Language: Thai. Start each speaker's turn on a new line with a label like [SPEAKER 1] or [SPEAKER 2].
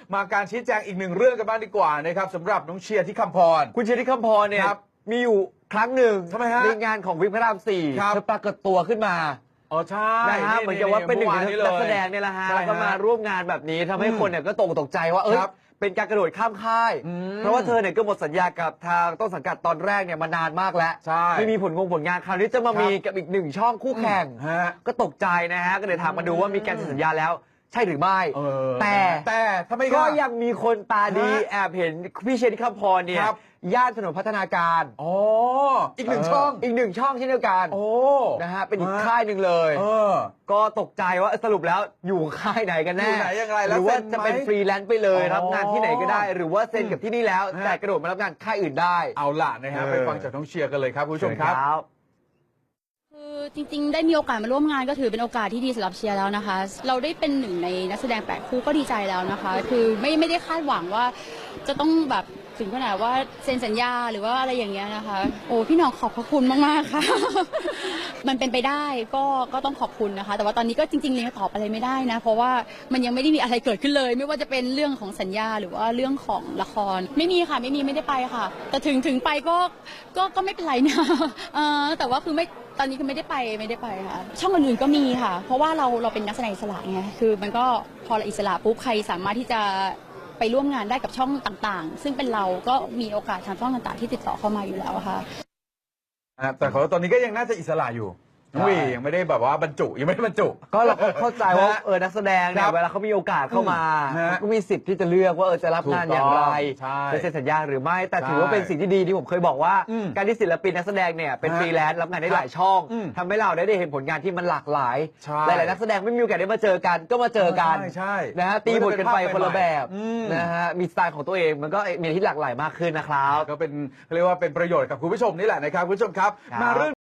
[SPEAKER 1] มาการชี้แจงอีกหนึ่งเรื่องกันบ้างดีกว่านะครับสำหรับน้องเชียร์ที่คำพร
[SPEAKER 2] คุณเชียร์ที่คำพรเนี่ยมีอยู่ครั้งหนึ่ง
[SPEAKER 1] ทำไมฮะ
[SPEAKER 2] ในงานของวิกพระราม4เธอปรากฏตัวขึ้นมา
[SPEAKER 1] อ๋อใช่
[SPEAKER 2] นะฮะเหมือนกับว่าเป็นหนึ่งในนักแสดงเนี่ยแหละฮะแล้วก็มาร่วมงานแบบนี้ทำให้คนเนี่ยก็ตกใจว่าเป็นการกระโดดข้ามค่ายเพราะว่าเธอเนี่ยก็หมดสัญญากับทางต้นสังกัดตอนแรกเนี่ยมานานมากแล้วไม่มีผลงานคราวนี้จะมามีกับอีกหนึ่งช่องคู่แข่งก็ตกใจนะฮะก็เลยถามมาดูว่ามีการสัญญาแล้วใช่หรือไม่แต่
[SPEAKER 1] ทำไม
[SPEAKER 2] ก็ยังมีคนตาดีแอบเห็นพี่เชนที่คำพรเนี่ยย่านถนนพัฒนาการ
[SPEAKER 1] อีกหนึ่งช่อง
[SPEAKER 2] เช่นเดียวกันนะฮะเป็นอีกค่ายหนึ่งเลยก็ตกใจว่าสรุปแล้วอยู่ค่ายไหนกันแน่
[SPEAKER 1] อยู่ไหนยังไง
[SPEAKER 2] หรือว่าจะเป็นฟรีแลนซ์ไปเลยรับงานที่ไหนก็ได้หรือว่าเซ็นกับที่นี่แล้วแต่กระโดดมารับงานค่ายอื่นได้
[SPEAKER 1] เอาล่ะนะฮะไปฟังจากน้องเชียร์กันเลยครับคุณผู้ชมครับ
[SPEAKER 3] คือจริงๆได้มีโอกาสมาร่วมงานก็ถือเป็นโอกาสที่ดีสำหรับเชียร์แล้วนะคะเราได้เป็นหนึ่งในนักแสดง8คู่ก็ดีใจแล้วนะคะคือไม่ได้คาดหวังว่าจะต้องแบบถึงขนาดว่าเซ็นสัญญาหรือว่าอะไรอย่างเงี้ยนะคะโอ้พี่น้องขอบพระคุณมากๆค่ะ มันเป็นไปได้ก็ต้องขอบคุณนะคะแต่ว่าตอนนี้ก็จริงๆยังตอบอะไรไม่ได้นะเพราะว่ามันยังไม่ได้มีอะไรเกิดขึ้นเลยไม่ว่าจะเป็นเรื่องของสัญญาหรือว่าเรื่องของละครไม่มีค่ะไม่ได้ไปค่ะแต่ถึงไปก็ไม่เป็นไรนะแต่ว่าคือไม่ตอนนี้คือไม่ได้ไปค่ะช่องอื่นๆก็มีค่ะเพราะว่าเราเป็นนักแสดงอิสระไงคือมันก็พอเราอิสระปุ๊บใครสามารถที่จะไปร่วมงานได้กับช่องต่างๆซึ่งเป็นเราก็มีโอกาสทางช่องต่างๆที่ติดต่อเข้ามาอยู่แล้วค่ะ
[SPEAKER 1] แต่เขาตอนนี้ก็ยังน่าจะอิสระอยู่ยังไม่ได้แบบว่าบรรจุยังไม่ได้บรรจุ
[SPEAKER 2] ก็เราเข้าใจว่านักแสดงเนี่ยเวลาเขามีโอกาสเข้ามาก็มีสิทธิ์ที่จะเลือกว่าจะรับงานอย่างไรจะเซ็นสัญญาหรือไม่แต่ถือว่าเป็นสิ่งที่ดีที่ผมเคยบอกว่าการที่ศิลปินนักแสดงเนี่ยเป็นฟรีแลนซ์รับงานได้หลายช่องทำให้เราได้เห็นผลงานที่มันหลากหลายหลายๆนักแสดงไม่มีโอกาสได้มาเจอกันก็มาเจอกันนะฮะตีบทกันไปคนละแบบนะฮะมีสไตล์ของตัวเองมันก็มีที่หลากหลายมากขึ้นนะครับ
[SPEAKER 1] ก็เป็นเรียกว่าเป็นประโยชน์กับคุณผู้ชมนี่แหละนะครับคุณผู้ชมครับมาเรื่อง